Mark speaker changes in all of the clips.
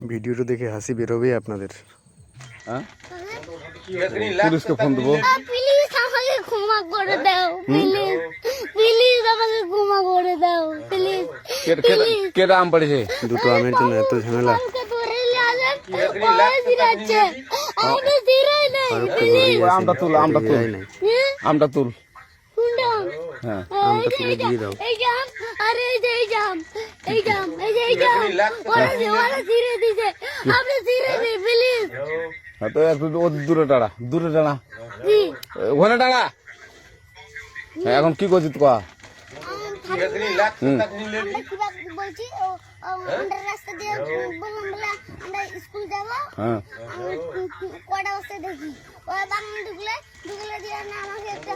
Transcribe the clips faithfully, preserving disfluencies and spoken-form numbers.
Speaker 1: ভিডিওটা দেখে হাসি বেরোবে আপনাদের।
Speaker 2: হ্যাঁ পুলিশকে ফোন দেবো।
Speaker 3: প্লিজ আমাকে ক্ষমা করে দাও, প্লিজ প্লিজ আমাকে ক্ষমা করে দাও, প্লিজ।
Speaker 2: কেটা আম পড়েছে?
Speaker 1: দুটো আমের জন্য এত ঝামেলা।
Speaker 3: আমাকে ধরে নিয়ে আসেন, ওরা ফিরাচ্ছে, আমাকে ফিরাই নাই, প্লিজ।
Speaker 2: আমটা তুল, আমটা তুল, আমটা তুল।
Speaker 3: কোনটা?
Speaker 2: হ্যাঁ
Speaker 1: আমটা তুলে দিয়ে দাও।
Speaker 3: এই জাম, আরে এই যে এই জাম, এই জাম, এই যে এই জাম, ওরা ওরা ফিরে দিছে, আপনি ফিরে দিন প্লিজ।
Speaker 2: তো একটু দূরে দাঁড়া, দূরে দাঁড়া,
Speaker 3: জি
Speaker 2: ওখানে দাঁড়া। হ্যাঁ, এখন কি করছিস কয়া?
Speaker 3: বলছি আমরা রাস্তা দিয়ে বললাম বলে আমরা স্কুল যাবো,
Speaker 2: হ্যাঁ
Speaker 3: কটা বসে দেখি ওই বাগান ঢুকলে ঢুকলে দিয়ে না আমাকে একটা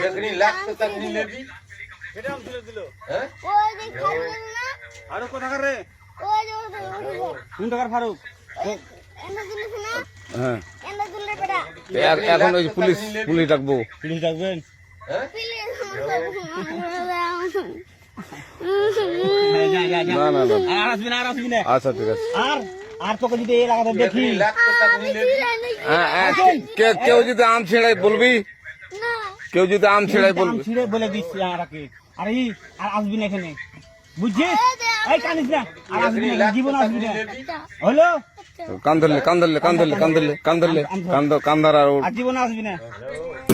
Speaker 3: ওই যে খালি না
Speaker 4: আরো কোথাকার রে?
Speaker 3: ওই যে
Speaker 4: কোন টাকার ফারুক?
Speaker 3: এন্ড দিলে না
Speaker 2: হ্যাঁ
Speaker 3: এন্ড দিলে বেটা
Speaker 2: এ- এখন ওই পুলিশ পুলিশ ডাকবো।
Speaker 4: পুলিশ ডাকবেন?
Speaker 3: প্লিজ
Speaker 4: যা, যা, যা।
Speaker 2: না না না
Speaker 4: আর আসবি না, আর আসবি না।
Speaker 2: আচ্ছা ঠিক আছে।
Speaker 4: আর আর তোকে যদি এই লাগাতে দেখি
Speaker 2: হ্যাঁ, হ্যাঁ, কে- কেউ যদি আম ছেড়াই বলবি,
Speaker 3: না
Speaker 2: কেউ যদি আম ছেড়াই
Speaker 4: আম
Speaker 2: বলবি।
Speaker 4: ছিঁড়ে বলে দিচ্ছি আমাকে। আর এই আর আসবি না এখানে, বুঝছিস? এই কানিস না, আর আসবি না, জীবন আসবি না। হলো?
Speaker 2: কান ধরলে কান ধরলে কান ধরলে কান ধরলে কান ধরলে কান ধর- কান ধর আর ওর-
Speaker 4: আর জীবন আসবি না।